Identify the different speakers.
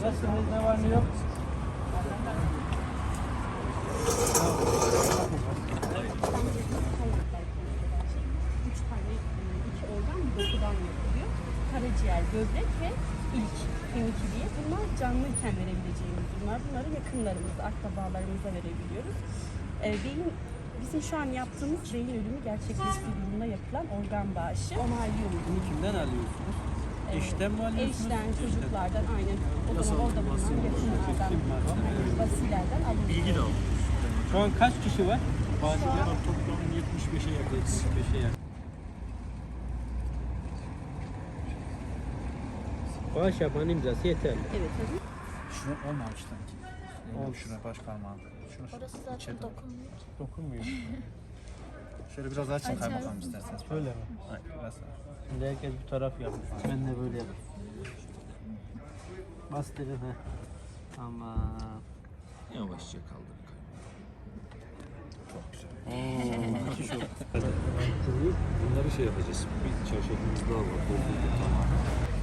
Speaker 1: Nasılsınız? Ne var ne yok?
Speaker 2: Üç tane, iki organ bir dokudan yapılıyor. Karaciğer, böbrek ve ilk kemik iliği. Bunlar canlıyken verebileceğimiz bunlar. Bunları yakınlarımıza, akrabalarımıza verebiliyoruz. Beyin, bizim şu an yaptığımız beyin ölümü gerçekleştiği durumunda yapılan organ bağışı onaylıyoruz.
Speaker 1: Bunu kimden alıyorsunuz? Eşten mi alıyorsunuz?
Speaker 2: Eşten, çocuklardan, aynen. O zaman orada bulunan yakınlardan, vasilerden alıyoruz.
Speaker 3: Bilgi de alıyoruz.
Speaker 1: Şu an kaç kişi var? Bağışlayan.
Speaker 3: Toplam 75'e yakın.
Speaker 1: 75'e yakın. Bağış yapan imzası yeterli.
Speaker 2: Evet, tabii.
Speaker 3: Şuna olmamış sanki. Şuna baş parmağım. Şuna
Speaker 4: Orası zaten dokunmuyor.
Speaker 1: Dokunmuyor.
Speaker 3: Şöyle biraz açın kaymakam isterseniz.
Speaker 1: Öyle mi?
Speaker 3: Hayır, biraz daha.
Speaker 1: Şimdi herkes bir taraf yapmış. Ben de böyle yapayım. Bastırın ha. Tamam.
Speaker 3: Yavaşça kaldır. Çok güzel. Bunları şey yapacağız. Bir çarşafımız daha var. Doldurduk tamamen.